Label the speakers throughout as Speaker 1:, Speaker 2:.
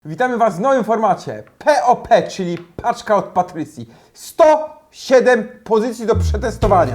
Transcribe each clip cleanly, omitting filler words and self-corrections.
Speaker 1: Witamy Was w nowym formacie POP, czyli paczka od Patrycji. 107 pozycji do przetestowania.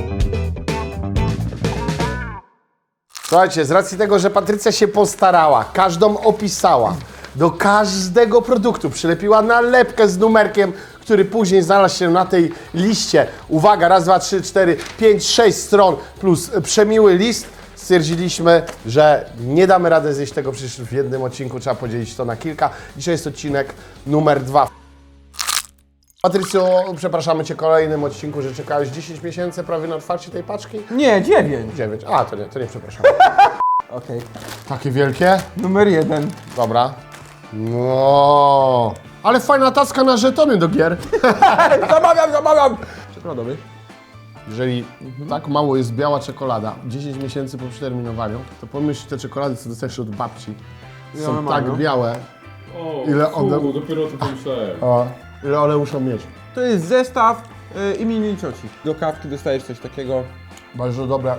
Speaker 2: Słuchajcie, z racji tego, że Patrycja się postarała, każdą opisała, do każdego produktu przylepiła nalepkę z numerkiem, który później znalazł się na tej liście. Uwaga, raz, dwa, trzy, cztery, pięć, 6 stron plus przemiły list. Stwierdziliśmy, że nie damy rady zjeść tego przecież w jednym odcinku, trzeba podzielić to na kilka. Dzisiaj jest odcinek numer 2. Patrycjo, przepraszamy Cię w kolejnym odcinku, że czekałeś 10 miesięcy prawie na otwarcie tej paczki.
Speaker 1: Nie, 9.
Speaker 2: 9. A, to nie przepraszam.
Speaker 1: Okej.
Speaker 2: Takie wielkie?
Speaker 1: Numer 1.
Speaker 2: Dobra. No, ale fajna taska na żetony do gier.
Speaker 1: Zamawiam! Czekoladowy.
Speaker 2: Jeżeli tak mało jest biała czekolada, 10 miesięcy po przeterminowaniu, to pomyśl, te czekolady, co dostajesz od babci,
Speaker 1: Ile
Speaker 2: są
Speaker 1: one
Speaker 2: tak
Speaker 1: mają?
Speaker 2: białe,
Speaker 3: O,
Speaker 2: Ile
Speaker 3: fu,
Speaker 2: one-
Speaker 3: dopiero o tym pomyślałem.
Speaker 2: ile one muszą mieć.
Speaker 1: To jest zestaw imieniny cioci. Do kawki dostajesz coś takiego.
Speaker 2: Bardzo dobre.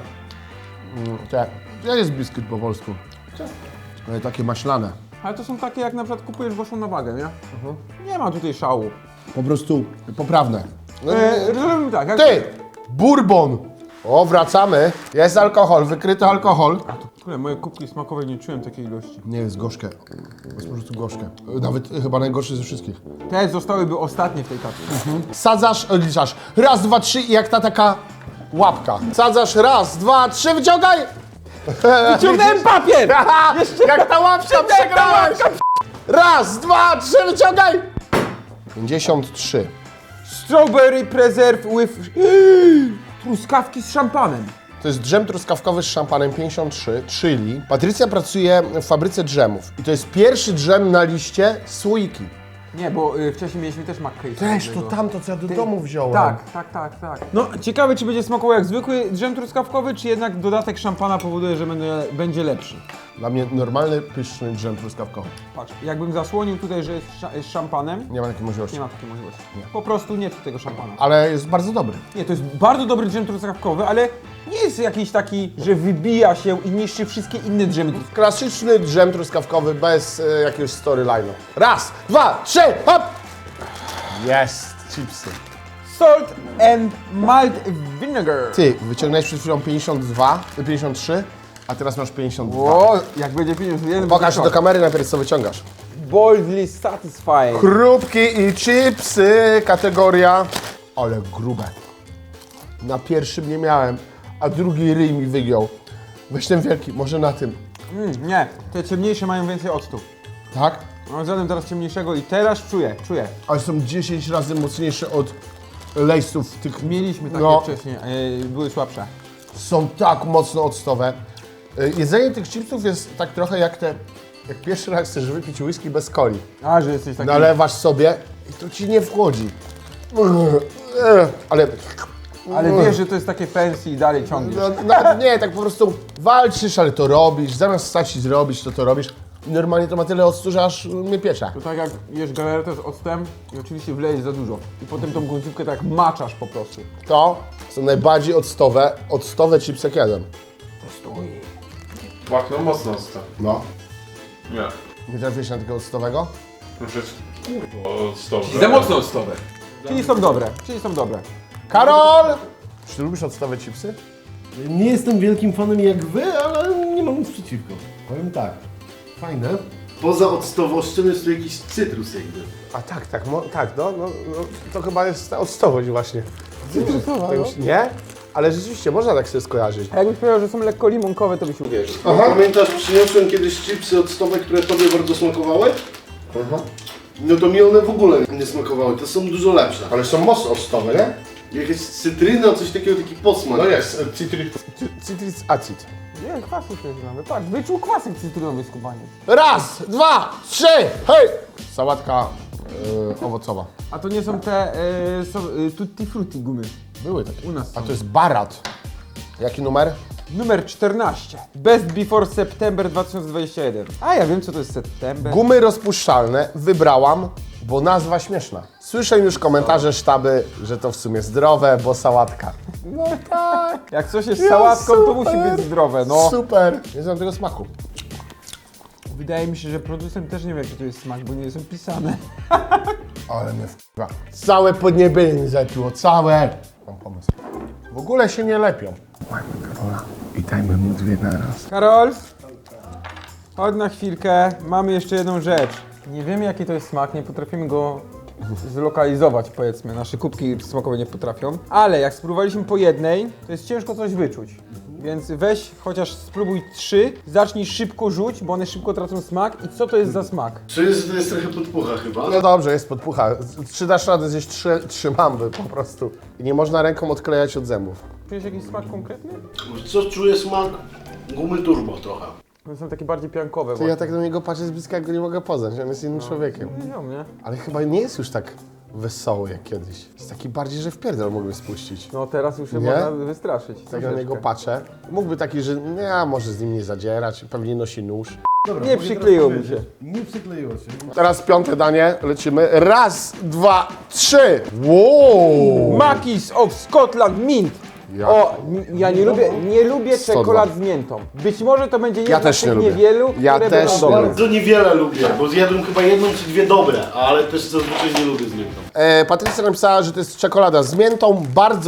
Speaker 2: To jest biskit po polsku. Ale takie maślane.
Speaker 1: Ale to są takie, jak na przykład kupujesz waszą na wagę, nie? Nie ma tutaj szału.
Speaker 2: Po prostu poprawne.
Speaker 1: Robimy tak, jak...
Speaker 2: Ty! Bourbon! O, wracamy. Jest alkohol, wykryty alkohol.
Speaker 1: Kurde, moje kubki smakowe nie czułem takiej ilości.
Speaker 2: Nie, jest gorzkie. Jest po prostu gorzkie. Nawet chyba najgorszy ze wszystkich.
Speaker 1: Te zostałyby ostatnie w tej kacie.
Speaker 2: Sadzasz, odliczasz. Raz, dwa, trzy i jak ta taka łapka. Sadzasz, raz, dwa, trzy, wyciągaj!
Speaker 1: Ciągnąłem papier!
Speaker 2: Jak ta łapka przegrałeś! Raz, dwa, trzy, wyciągaj! 53.
Speaker 1: Strawberry preserve with... Truskawki z szampanem.
Speaker 2: To jest drzem truskawkowy z szampanem 53, czyli Patrycja pracuje w fabryce drzemów. I to jest pierwszy drzem na liście słoiki.
Speaker 1: Nie, bo wcześniej mieliśmy też McCase.
Speaker 2: Też to tamto, co ja do domu wziąłem.
Speaker 1: Tak. No, ciekawe, czy będzie smakował jak zwykły drzem truskawkowy, czy jednak dodatek szampana powoduje, że będzie lepszy.
Speaker 2: Dla mnie normalny, pyszny drzem truskawkowy.
Speaker 1: Patrz, jakbym zasłonił tutaj, że jest z szampanem,
Speaker 2: Nie ma takiej możliwości.
Speaker 1: nie ma takiej możliwości. Po prostu nie czuć tego szampana.
Speaker 2: Ale jest bardzo dobry.
Speaker 1: Nie, to jest bardzo dobry drzem truskawkowy, ale nie jest jakiś taki, że wybija się i niszczy wszystkie inne drzemy.
Speaker 2: Klasyczny drzem truskawkowy bez jakiegoś storyline'u. Raz, dwa, trzy, hop! Jest, chipsy.
Speaker 1: Salt and malt vinegar.
Speaker 2: Ty, wyciągnąłeś przed chwilą 53, a teraz masz 52.
Speaker 1: O, jak będzie pieniądz jeden,
Speaker 2: Pokaż do kamery najpierw, co wyciągasz.
Speaker 1: Boldly satisfying.
Speaker 2: Chrupki i chipsy, kategoria. Ale grube. Na pierwszym nie miałem, a drugi ryj mi wygiął. Weź ten wielki, może na tym.
Speaker 1: Nie, te ciemniejsze mają więcej octu.
Speaker 2: Tak?
Speaker 1: No, zjadłem teraz ciemniejszego i teraz czuję.
Speaker 2: Ale są 10 razy mocniejsze od lejsów tych.
Speaker 1: Mieliśmy takie
Speaker 2: No.
Speaker 1: wcześniej, były słabsze.
Speaker 2: Są tak mocno octowe. Jedzenie tych chipsów jest tak trochę jak pierwszy raz chcesz wypić whisky bez coli.
Speaker 1: A, że jesteś taki...
Speaker 2: Nalewasz sobie i to ci nie wchodzi. Ale
Speaker 1: Ale wiesz, że to jest takie fancy i dalej ciągniesz.
Speaker 2: nie, tak po prostu walczysz, ale to robisz. Zamiast stać i zrobić, to robisz. I normalnie to ma tyle octu, że aż mnie piecze.
Speaker 1: To tak jak jesz galaretę z octem i oczywiście wlejesz za dużo. I potem tą końcówkę tak maczasz po prostu.
Speaker 2: To są najbardziej octowe chipsy jak jadłem.
Speaker 3: Pachną mocno ostro.
Speaker 2: No.
Speaker 3: Nie.
Speaker 2: Nie trafiłeś na takiego octowego?
Speaker 3: Przecież kurwa,
Speaker 1: Za mocno octowe. Czyli są dobre.
Speaker 2: Karol! Czy ty lubisz octowe chipsy?
Speaker 4: Nie jestem wielkim fanem jak wy, ale nie mam nic przeciwko. Powiem tak, fajne. Poza octowością jest tu jakiś cytrus jakby.
Speaker 2: A tak, no, to chyba jest ta octowość właśnie.
Speaker 1: Cytrusowa,
Speaker 2: To już nie? Ale rzeczywiście, można tak sobie skojarzyć.
Speaker 1: A jakbyś powiedział, że są lekko limonkowe, to byś uwierzył.
Speaker 4: Pamiętasz, przyniosłem kiedyś chipsy octowe, które tobie bardzo smakowały? No to mi one w ogóle nie smakowały, to są dużo lepsze.
Speaker 2: Ale są mocno octowe, nie?
Speaker 4: Jakaś cytryna, coś takiego, taki posmak.
Speaker 2: No jest, citrus acid.
Speaker 1: Nie, kwasy się znamy. Patrz, wyczuł kwasek cytrynowy z kubanie.
Speaker 2: Raz, dwa, trzy, hej! Sałatka owocowa.
Speaker 1: A to nie są te tutti frutti gumy.
Speaker 2: Były takie.
Speaker 1: U nas
Speaker 2: A
Speaker 1: są.
Speaker 2: to jest Barat. Jaki numer?
Speaker 1: Numer 14. Best Before September 2021. A ja wiem, co to jest September.
Speaker 2: Gumy rozpuszczalne wybrałam, bo nazwa śmieszna. Słyszę już komentarze sztaby, że to w sumie zdrowe, bo sałatka. No tak.
Speaker 1: Jak coś jest z sałatką, to musi być zdrowe, no.
Speaker 2: Super. Nie znam tego smaku.
Speaker 1: Wydaje mi się, że producent też nie wie, jaki to jest smak, bo nie jest opisane.
Speaker 2: Ale mnie wkurwa. Całe podniebienie zapiło, całe. Mam pomysł. W ogóle się nie lepią. Majmy Karola i dajmy mu 2 na raz.
Speaker 1: Karol, chodź na chwilkę, mamy jeszcze jedną rzecz. Nie wiemy, jaki to jest smak, nie potrafimy go zlokalizować, powiedzmy. Nasze kubki smakowe nie potrafią. Ale jak spróbowaliśmy po jednej, to jest ciężko coś wyczuć. Więc weź, chociaż spróbuj 3, zacznij szybko rzuć, bo one szybko tracą smak. I co to jest za smak?
Speaker 4: Czuję, że to jest trochę podpucha chyba.
Speaker 2: No dobrze, jest podpucha. 3 dasz radę zjeść 3 mamby po prostu. I nie można ręką odklejać od zębów.
Speaker 1: Czujesz jakiś smak konkretny?
Speaker 4: Co czuję smak gumy turbo trochę.
Speaker 1: One są takie bardziej piankowe.
Speaker 2: To ja tak na niego patrzę z bliska, jak go nie mogę poznać. On jest innym człowiekiem.
Speaker 1: Nie wiem, nie?
Speaker 2: Ale chyba nie jest już tak wesoły jak kiedyś. Jest taki bardziej, że w pierdol mógłby spuścić.
Speaker 1: No teraz już się
Speaker 2: Nie?
Speaker 1: można wystraszyć.
Speaker 2: Tak na niego patrzę. Mógłby taki, że nie, może z nim nie zadzierać, pewnie nosi nóż.
Speaker 4: Dobra,
Speaker 1: Nie
Speaker 4: mogę
Speaker 1: przykleiło
Speaker 4: teraz
Speaker 1: mi się.
Speaker 4: powiedzieć. Nie przykleiło się.
Speaker 2: Teraz 5. danie, lecimy. 1, 2, 3. Wow!
Speaker 1: Makis of Scotland Mint.
Speaker 2: Jak?
Speaker 1: O, ja nie lubię
Speaker 2: 102.
Speaker 1: czekolad z miętą. Być może to będzie jedna
Speaker 2: też
Speaker 1: z
Speaker 2: nie
Speaker 1: tych
Speaker 2: lubię.
Speaker 1: niewielu,
Speaker 2: Ja
Speaker 1: które
Speaker 2: też
Speaker 1: będą
Speaker 2: nie
Speaker 1: dobre.
Speaker 4: Bardzo niewiele lubię, bo zjadłem chyba jedną czy 2 dobre, ale też zazwyczaj nie lubię z miętą.
Speaker 2: Patrycja napisała, że to jest czekolada z miętą, bardzo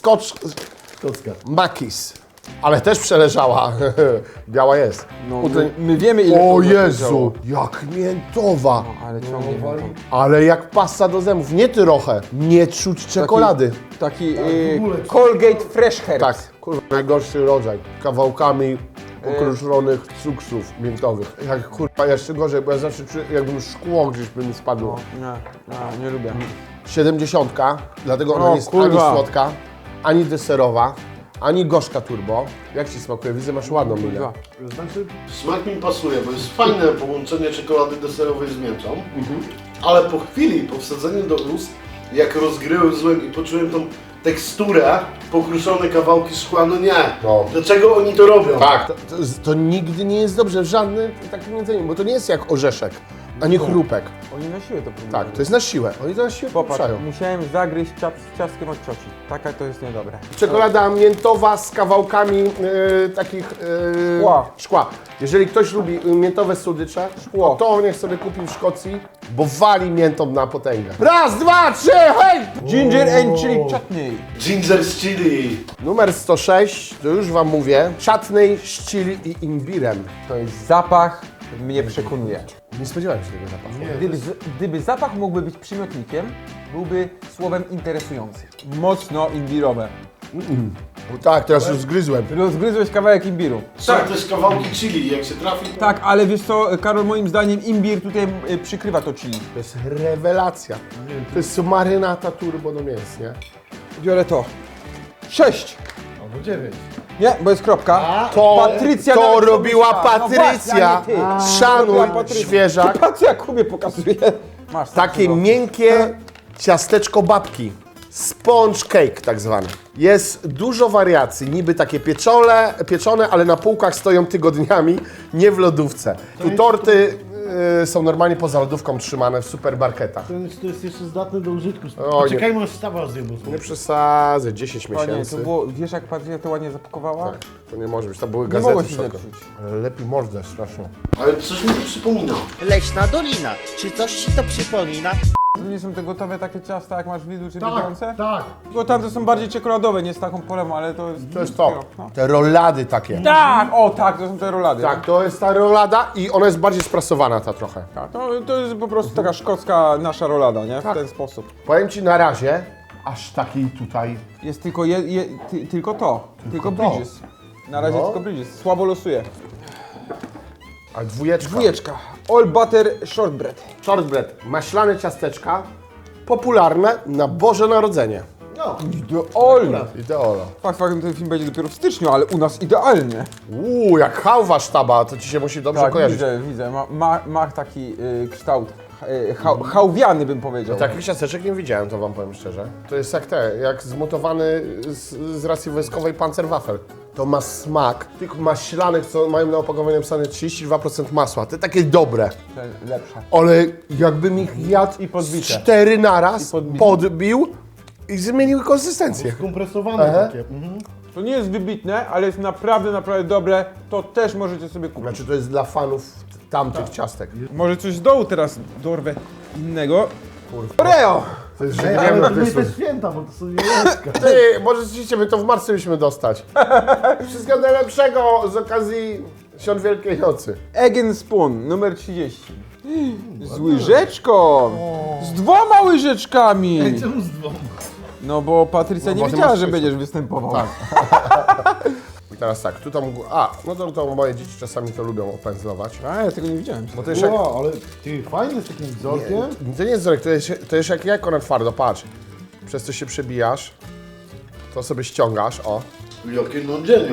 Speaker 4: Kocka.
Speaker 2: Makis. Ale też przeleżała. Biała jest.
Speaker 1: No, my wiemy ile
Speaker 2: O
Speaker 1: to
Speaker 2: Jezu, jak miętowa.
Speaker 1: Ale ciągnie miętą.
Speaker 2: Ale jak pasta do zębów. Nie trochę. Nie czuć czekolady.
Speaker 1: Taki
Speaker 4: w ogóle.
Speaker 1: Colgate Fresh Herbs.
Speaker 2: Tak, kurwa, najgorszy rodzaj. Kawałkami okruszonych cukrów miętowych. Jak kurwa, jeszcze gorzej, bo ja zawsze czuję, jakbym szkło gdzieś by mi spadło.
Speaker 1: Nie lubię.
Speaker 2: 70, dlatego ona
Speaker 1: O,
Speaker 2: nie jest
Speaker 1: kurwa.
Speaker 2: ani słodka, ani deserowa, ani gorzka turbo. Jak Ci smakuje? Widzę, masz ładną minę.
Speaker 4: Znaczy, smak mi pasuje, bo jest fajne połączenie czekolady deserowej z miętą, ale po chwili, po wsadzeniu do ust, jak rozgryzłem i poczułem tą teksturę, pokruszone kawałki szkła, no nie.
Speaker 2: No.
Speaker 4: Dlaczego oni to robią?
Speaker 2: Tak, to nigdy nie jest dobrze w żadnym takim jedzeniu, bo to nie jest jak orzeszek, ani chrupek.
Speaker 1: Oni na siłę to próbują.
Speaker 2: Tak, to jest na siłę. Oni to na siłę
Speaker 1: Popatrz,
Speaker 2: puszczają.
Speaker 1: musiałem zagryźć ciastkiem od cioci. Taka to jest niedobre.
Speaker 2: Czekolada miętowa z kawałkami takich szkła. Jeżeli ktoś lubi miętowe słodycze,
Speaker 1: Szkło.
Speaker 2: to niech sobie kupi w Szkocji, bo wali miętą na potęgę. Raz, 2, 3, hej!
Speaker 1: Ginger and chili chutney.
Speaker 4: Ginger z chili.
Speaker 2: Numer 106, to już Wam mówię, chutney z chili i imbirem.
Speaker 1: To jest zapach, mnie przekonuje.
Speaker 2: Nie spodziewałem się tego zapachu.
Speaker 1: Gdyby zapach mógłby być przymiotnikiem, byłby słowem interesujący. Mocno imbirowe.
Speaker 2: Tak, teraz już zgryzłem.
Speaker 1: Rozgryzłeś kawałek imbiru.
Speaker 4: Są też kawałki chili, jak się trafi.
Speaker 1: Tak, ale wiesz co, Karol, moim zdaniem imbir tutaj przykrywa to chili.
Speaker 2: To jest rewelacja. To jest marynata turbo do mięs, nie?
Speaker 1: Biorę to. 6.
Speaker 4: Albo 9.
Speaker 1: Nie, bo jest kropka. Patrycja
Speaker 2: to
Speaker 1: nawet
Speaker 2: robiła
Speaker 1: pomyślała. No
Speaker 2: Patrycja.
Speaker 1: właśnie, a nie ty.
Speaker 2: Szanuj,
Speaker 1: Robiła Patrycja.
Speaker 2: świeżak.
Speaker 1: Patrz jak Kubie pokazuje. Masz
Speaker 2: Takie
Speaker 1: no.
Speaker 2: miękkie ciasteczko babki. Sponge cake tak zwany. Jest dużo wariacji, niby takie pieczone, ale na półkach stoją tygodniami, nie w lodówce. Tu torty są normalnie poza lodówką trzymane w supermarketach.
Speaker 4: To jest jeszcze zdatne do użytku.
Speaker 2: O,
Speaker 4: Poczekajmy aż stawa zje, bo
Speaker 2: Nie przesadzę, 10
Speaker 1: O nie,
Speaker 2: miesięcy.
Speaker 1: to było, wiesz jak Patrycja to ładnie zapakowała?
Speaker 2: Tak, to nie może być, to były
Speaker 1: Nie
Speaker 2: gazety
Speaker 1: mogło
Speaker 2: w
Speaker 1: się
Speaker 2: środku.
Speaker 1: zepsuć.
Speaker 2: Ale lepiej mordę straszną.
Speaker 4: Ale coś mi to przypomina.
Speaker 5: Leśna Dolina. Czy coś ci to przypomina?
Speaker 1: To nie są te gotowe takie ciasta jak masz w Lidlu czy w Biedronce?
Speaker 4: tak.
Speaker 1: Bo tamte są bardziej czekoladowe, nie z taką polewą, ale to jest...
Speaker 2: To jest to.
Speaker 1: No.
Speaker 2: Te rolady takie.
Speaker 1: Tak, o tak, to są te rolady.
Speaker 2: Tak, to jest ta rolada i ona jest bardziej sprasowana ta trochę.
Speaker 1: Tak, to jest po prostu taka szkocka nasza rolada, nie? W
Speaker 2: Tak.
Speaker 1: ten sposób.
Speaker 2: Powiem Ci na razie, aż takiej tutaj...
Speaker 1: Jest tylko tylko to, tylko
Speaker 2: to.
Speaker 1: Bridges. Na razie
Speaker 2: No.
Speaker 1: tylko Bridges, słabo losuje.
Speaker 2: A dwójeczka.
Speaker 1: Dwójeczka, all butter shortbread.
Speaker 2: Shortbread, maślane ciasteczka, popularne na Boże Narodzenie.
Speaker 4: No.
Speaker 1: Idealnie.
Speaker 2: Ideolo.
Speaker 1: Fakt faktem ten film będzie dopiero w styczniu, ale u nas idealnie.
Speaker 2: Jak chałwa sztaba, to Ci się musi dobrze
Speaker 1: Tak,
Speaker 2: kojarzyć.
Speaker 1: widzę. Ma taki kształt chałwiany bym powiedział.
Speaker 2: Takich ciasteczek nie widziałem, to Wam powiem szczerze. To jest jak zmutowany z racji wojskowej Panzerwaffel. To ma smak tych maślanych, co mają na opakowaniu napisane 32% masła. Te takie dobre.
Speaker 1: Te lepsze.
Speaker 2: Ale jakbym ich jadł
Speaker 1: I podbite.
Speaker 2: 4 naraz,
Speaker 1: I podbite.
Speaker 2: podbił i zmienił konsystencję.
Speaker 4: Skompresowane takie.
Speaker 1: To nie jest wybitne, ale jest naprawdę, naprawdę dobre. To też możecie sobie kupić.
Speaker 2: Znaczy to jest dla fanów tamtych ciastek.
Speaker 1: Może coś z dołu teraz dorwę innego. Oreo!
Speaker 2: To jest
Speaker 4: Ej, ale to nie te święta, bo to są jajeczka.
Speaker 2: Ty, może rzeczywiście my to w marcu musimy dostać. Wszystkiego najlepszego z okazji Świąt Wielkiej Nocy.
Speaker 1: Egg and Spoon, numer 30. Z łyżeczką! Z 2 łyżeczkami!
Speaker 4: Czemu z dwoma?
Speaker 1: No bo Patrycja nie
Speaker 2: bo ty
Speaker 1: wiedziała,
Speaker 2: masz
Speaker 1: że
Speaker 2: trzy.
Speaker 1: będziesz występował.
Speaker 2: Tak. I teraz tak, tu tam... no to moje dzieci czasami to lubią opędzlować.
Speaker 1: A, ja tego nie widziałem.
Speaker 2: Bo to jest jak...
Speaker 4: Wow, ale ty fajny z takim wzorkiem.
Speaker 2: To nie jest wzorek, to jest jak jajko na twardo, patrz. Przez to się przebijasz, to sobie ściągasz, o.
Speaker 4: Jakie nudzenie.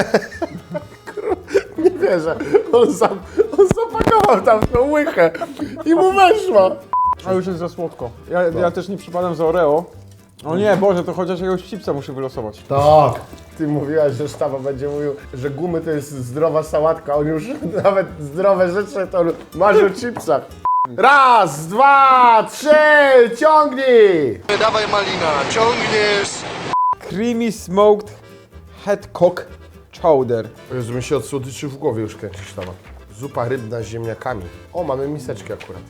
Speaker 2: Nie wierzę, on zapakował tam tą łychę i mu weszła.
Speaker 1: A już jest za słodko. Ja też nie przypadam za Oreo. O nie, Boże, to chociaż jakiegoś chipsa muszę wylosować.
Speaker 4: Tak.
Speaker 2: Ty mówiłaś, że sztaba będzie mówił, że gumy to jest zdrowa sałatka, on już nawet zdrowe rzeczy to marzy o chipsach. Raz, dwa, trzy, ciągnij!
Speaker 6: Dawaj Malina, ciągniesz!
Speaker 1: Creamy Smoked Headcock Chowder.
Speaker 2: Jezu, mi się od słodyczy w głowie już kręci sztaba. Zupa rybna z ziemniakami. O, mamy miseczki akurat.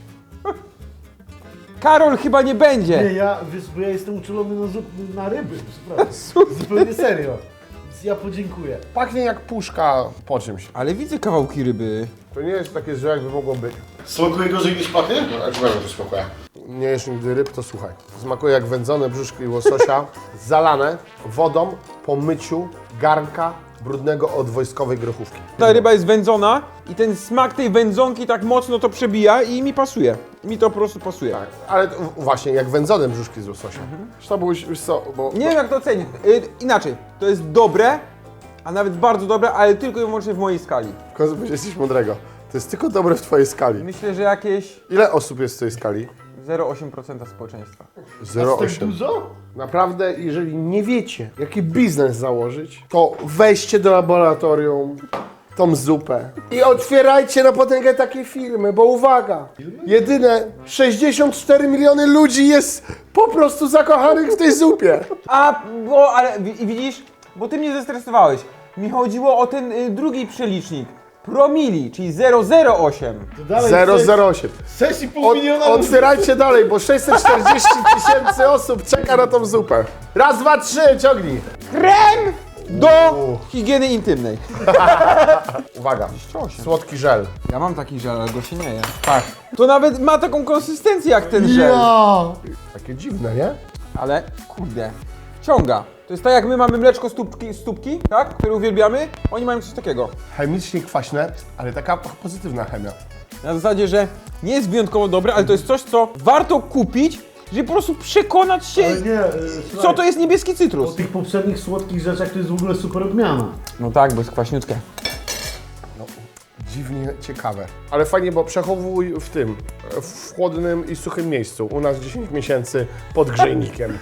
Speaker 1: Karol chyba nie będzie!
Speaker 4: Nie, wiesz, bo ja jestem uczulony na ryby, przepraszam. Zupełnie serio. Więc ja podziękuję.
Speaker 2: Pachnie jak puszka po czymś.
Speaker 1: Ale widzę kawałki ryby.
Speaker 2: To nie jest takie złe, jakby mogło być.
Speaker 4: Smakuje gorzej niż pachnie?
Speaker 2: No, jak to smakuje. Nie jesz nigdy ryb, to słuchaj. Smakuje jak wędzone brzuszki łososia, zalane wodą po myciu garnka brudnego od wojskowej grochówki.
Speaker 1: Ta ryba jest wędzona i ten smak tej wędzonki tak mocno to przebija i mi pasuje. Mi to po prostu pasuje.
Speaker 2: Tak, ale to właśnie jak wędzone brzuszki z łososia. To było już co, bo...
Speaker 1: Nie wiem jak to ocenić. Inaczej, to jest dobre, a nawet bardzo dobre, ale tylko i wyłącznie w mojej skali.
Speaker 2: W końcu jesteś mądrego. To jest tylko dobre w twojej skali.
Speaker 1: Myślę, że jakieś
Speaker 2: Ile osób jest w tej skali?
Speaker 1: 0,8% społeczeństwa.
Speaker 2: 0,8.
Speaker 4: Dużo?
Speaker 2: Naprawdę, jeżeli nie wiecie, jaki biznes założyć, to weźcie do laboratorium tą zupę i otwierajcie na potęgę takie firmy, bo uwaga, jedyne 64 miliony ludzi jest po prostu zakochanych w tej zupie.
Speaker 1: Ale widzisz, bo ty mnie zestresowałeś. Mi chodziło o ten drugi przelicznik. Promili, czyli 0,08.
Speaker 4: To dalej
Speaker 2: 0,08.
Speaker 4: 6,5 miliona ludzi.
Speaker 2: Otwierajcie dalej, bo 640 000 osób czeka na tą zupę. Raz, dwa, trzy, ciągnij.
Speaker 1: Krem do higieny intymnej.
Speaker 2: Uwaga, słodki żel.
Speaker 1: Ja mam taki żel, ale go się nie je. Tak. To nawet ma taką konsystencję jak ten żel.
Speaker 4: Ja.
Speaker 2: Takie dziwne, nie?
Speaker 1: Ale kurde, wciąga. To jest tak jak my mamy mleczko stópki, tak? Które uwielbiamy. Oni mają coś takiego.
Speaker 2: Chemicznie kwaśne, ale taka pozytywna chemia.
Speaker 1: Na zasadzie, że nie jest wyjątkowo dobre, ale to jest coś, co warto kupić, żeby po prostu przekonać się,
Speaker 4: Ale nie,
Speaker 1: co to jest niebieski
Speaker 4: Po
Speaker 1: cytrus.
Speaker 4: tych poprzednich słodkich rzeczach to jest w ogóle super odmiana.
Speaker 1: No tak, bo jest kwaśniutkie.
Speaker 2: Dziwnie ciekawe. Ale fajnie, bo przechowuj w tym, w chłodnym i suchym miejscu. U nas 10 miesięcy pod grzejnikiem.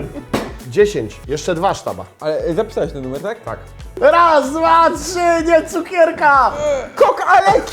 Speaker 2: 10, jeszcze 2 sztaba.
Speaker 1: Ale zapisałeś ten numer, tak?
Speaker 2: Tak. Raz, dwa, trzy, nie cukierka!
Speaker 1: Kok Aleki!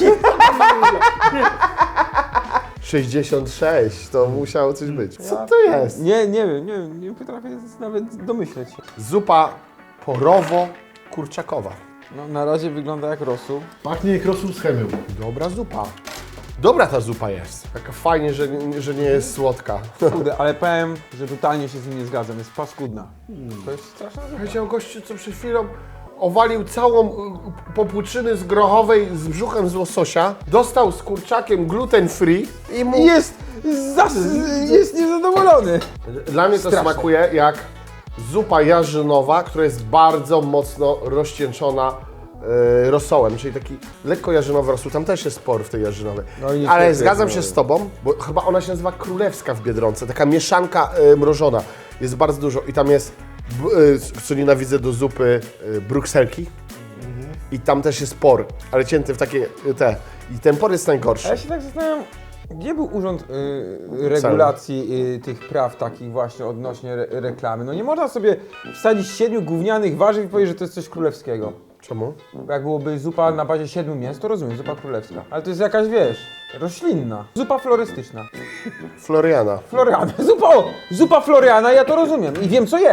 Speaker 2: 66, to musiało coś być. Co to jest?
Speaker 1: Nie wiem, nie potrafię nawet domyśleć się.
Speaker 2: Zupa porowo-kurczakowa.
Speaker 1: No, na razie wygląda jak rosół.
Speaker 4: Pachnie jak rosół z chemią.
Speaker 2: Dobra zupa. Dobra ta zupa jest. Taka fajnie, że nie jest słodka.
Speaker 1: Kurde, ale powiem, że totalnie się z nim nie zgadzam, jest paskudna. To jest straszna zupa.
Speaker 2: Powiedział gościu, co przed chwilą owalił całą popłuczyny z grochowej z brzuchem z łososia, dostał z kurczakiem gluten free i mu...
Speaker 1: I jest niezadowolony.
Speaker 2: Dla mnie to
Speaker 1: Straszne.
Speaker 2: smakuje jak zupa jarzynowa, która jest bardzo mocno rozcieńczona rosołem, czyli taki lekko jarzynowy rosół. Tam też jest spor w tej jarzynowej.
Speaker 1: No i
Speaker 2: Ale
Speaker 1: niestety
Speaker 2: zgadzam się
Speaker 1: jarzynowy.
Speaker 2: z Tobą, bo chyba ona się nazywa królewska w Biedronce, taka mieszanka mrożona. Jest bardzo dużo i tam jest, co nienawidzę do zupy, brukselki. I tam też jest por, ale cięty w takie te. I ten por jest
Speaker 1: A
Speaker 2: najgorszy.
Speaker 1: ja się tak zastanawiam, gdzie był urząd regulacji tych praw takich właśnie odnośnie reklamy? No nie można sobie wsadzić 7 gównianych warzyw i powiedzieć, że to jest coś królewskiego.
Speaker 2: Czemu?
Speaker 1: Bo jak byłoby zupa na bazie 7 mięs, to rozumiem, zupa królewska. Ale to jest jakaś, wiesz, roślinna. Zupa florystyczna.
Speaker 2: Floriana.
Speaker 1: Floriana. Zupa Floriana, ja to rozumiem i wiem co jem.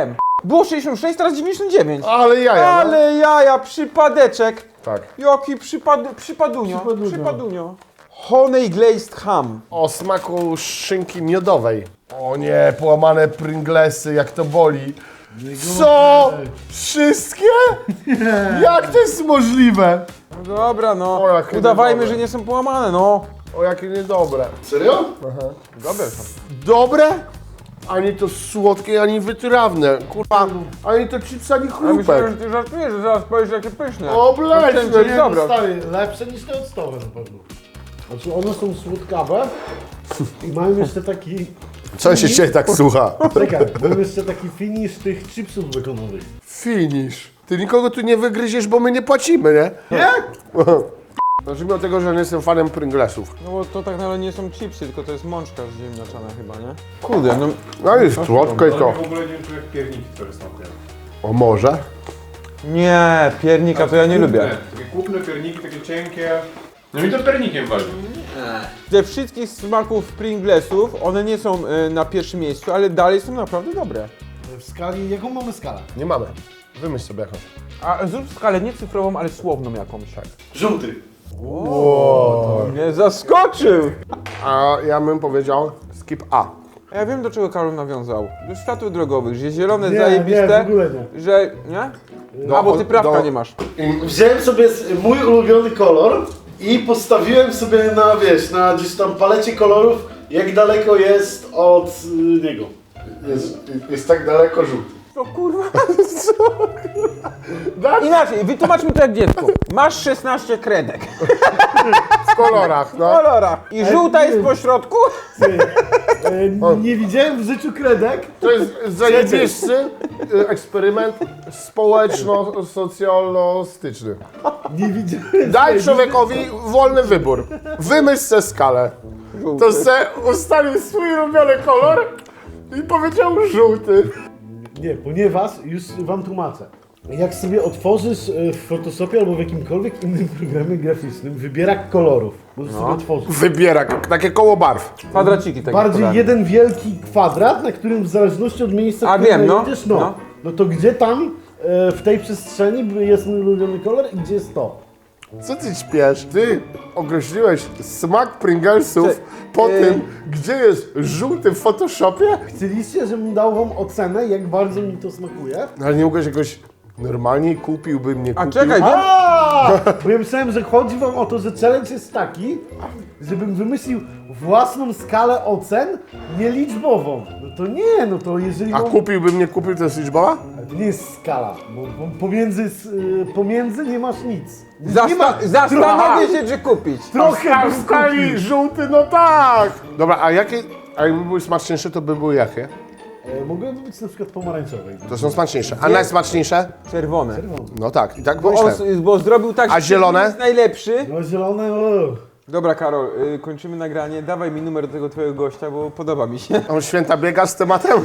Speaker 1: Było 66, teraz 99.
Speaker 2: Ale jaja, no.
Speaker 1: Ale jaja, przypadeczek.
Speaker 2: Tak.
Speaker 1: Jaki przypadunio. Przypadunio. Honey glazed ham.
Speaker 2: O smaku szynki miodowej. O nie, połamane Pringlesy, jak to boli. Co? Wszystkie? Jak to jest możliwe?
Speaker 1: No dobra, no.
Speaker 2: O, jakie
Speaker 1: Udawajmy,
Speaker 2: dobre.
Speaker 1: że nie są połamane, no.
Speaker 2: O, jakie niedobre.
Speaker 4: Serio?
Speaker 1: Dobre są.
Speaker 2: Dobre? Ani to słodkie, ani wytrawne. Kurwa, ani to chips, ani
Speaker 1: Ja myślałem,
Speaker 2: chrupek.
Speaker 1: że ty żartujesz, że zaraz powiesz jakie pyszne.
Speaker 2: Obleśne,
Speaker 1: Myślałem, że
Speaker 2: nie?
Speaker 1: dobra.
Speaker 4: Stary, lepsze niż te octowe na pewno. Znaczy one są słodkawe i mają jeszcze taki...
Speaker 2: Co się dzisiaj tak słucha?
Speaker 4: Czekaj, był jeszcze taki finish tych chipsów bekonowych.
Speaker 2: Finish. Ty nikogo tu nie wygryziesz, bo my nie płacimy, nie? Nie? Zacznijmy od tego, że nie jestem fanem Pringlesów.
Speaker 1: No bo to tak naprawdę nie są chipsy, tylko to jest mączka ziemniaczana chyba, nie? Kurde, no
Speaker 2: No jest słodko i
Speaker 3: Ale
Speaker 2: to.
Speaker 3: w ogóle nie czuję jak pierniki, które smakują.
Speaker 2: O może?
Speaker 1: nie, piernika to ja nie lubię.
Speaker 3: Takie kupne pierniki, takie cienkie. No mi to piernikiem wali.
Speaker 1: Ze wszystkich smaków Pringlesów, one nie są na pierwszym miejscu, ale dalej są naprawdę dobre.
Speaker 4: W skali, jaką mamy skalę?
Speaker 2: Nie mamy. Wymyśl sobie jakąś.
Speaker 1: A zrób skalę nie cyfrową, ale słowną jakąś. Tak.
Speaker 4: Żółty.
Speaker 1: Mnie zaskoczył!
Speaker 2: A ja bym powiedział skip A.
Speaker 1: A ja wiem, do czego Karol nawiązał. Do światów drogowych, że zielone
Speaker 4: Nie,
Speaker 1: zajebiste,
Speaker 4: nie, w ogóle nie.
Speaker 1: że... nie? A, bo ty prawka nie masz.
Speaker 4: Wziąłem sobie mój ulubiony kolor i postawiłem sobie na, wiesz, na gdzieś tam palecie kolorów, jak daleko jest od niego.
Speaker 2: Jest tak daleko żółty.
Speaker 1: To kurwa, Inaczej, wytłumaczmy to jak dziecko. Masz 16 kredek
Speaker 2: W kolorach,
Speaker 1: w
Speaker 2: no.
Speaker 1: kolorach i żółta jest po środku.
Speaker 4: Nie widziałem w życiu kredek.
Speaker 2: To jest zajebisty eksperyment społeczno-socjalno-styczny.
Speaker 4: Nie widziałem.
Speaker 2: Daj człowiekowi wolny wybór. Wymyśl se skalę. To se ustalił swój ulubiony kolor i powiedział żółty.
Speaker 4: Nie, ponieważ już wam tłumaczę. Jak sobie otworzysz w Photoshopie albo w jakimkolwiek innym programie graficznym wybierak kolorów, możesz sobie otworzyć.
Speaker 2: Wybiera takie koło barw.
Speaker 1: Kwadraciki takie
Speaker 4: Bardziej
Speaker 1: podane.
Speaker 4: jeden wielki kwadrat, na którym w zależności od miejsca,
Speaker 1: A
Speaker 4: w którym
Speaker 1: wiem, no.
Speaker 4: jedziesz,
Speaker 1: No.
Speaker 4: no to gdzie tam w tej przestrzeni jest mój ulubiony kolor i gdzie jest to?
Speaker 2: Co ty śpiesz? Ty określiłeś smak Pringlesów
Speaker 1: Czy-
Speaker 2: po tym, gdzie jest żółty w Photoshopie?
Speaker 4: Chcieliście, żebym dał wam ocenę, jak bardzo mi to smakuje?
Speaker 2: Ale nie mogłeś jakoś normalnie kupiłbym, nie
Speaker 1: A
Speaker 2: kupił.
Speaker 1: czekaj, wiem,
Speaker 4: Bo ja myślałem, że chodzi wam o to, że challenge jest taki, żebym wymyślił własną skalę ocen nieliczbową. No to nie, no to jeżeli...
Speaker 2: A kupiłbym, nie kupił, to jest liczbowa?
Speaker 4: Ale to nie jest skala, bo pomiędzy nie masz nic.
Speaker 1: zastanowię się, czy kupić.
Speaker 4: Trochę
Speaker 2: A
Speaker 4: bym
Speaker 2: w skali
Speaker 4: kupił.
Speaker 2: żółty, no tak! Dobra, a jakie, a jakby były smaczniejsze, to by były jakie?
Speaker 4: Mogłyby być na przykład pomarańczowe.
Speaker 2: To są smaczniejsze. A najsmaczniejsze?
Speaker 1: Czerwone.
Speaker 2: No tak, i tak
Speaker 1: Bo,
Speaker 2: myślę.
Speaker 1: bo zrobił tak,
Speaker 2: A
Speaker 1: że
Speaker 2: zielone?
Speaker 1: jest najlepszy.
Speaker 4: No zielone,
Speaker 1: Dobra Karol, kończymy nagranie. Dawaj mi numer do tego twojego gościa, bo podoba mi się.
Speaker 2: On święta biega z tematem.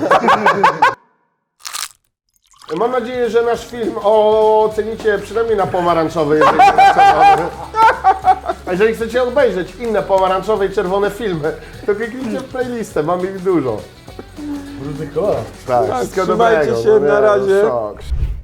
Speaker 2: Mam nadzieję, że nasz film ocenicie przynajmniej na pomarańczowy, jeżeli nie na czerwony. A jeżeli chcecie obejrzeć inne pomarańczowe i czerwone filmy, to kliknijcie w playlistę, mam ich dużo.
Speaker 4: w różnych kolorach.
Speaker 2: Tak,
Speaker 1: Tak,
Speaker 2: wszystkiego
Speaker 1: trzymajcie
Speaker 2: dobrego.
Speaker 1: się,
Speaker 2: No nie,
Speaker 1: na
Speaker 2: no
Speaker 1: razie.
Speaker 2: szok.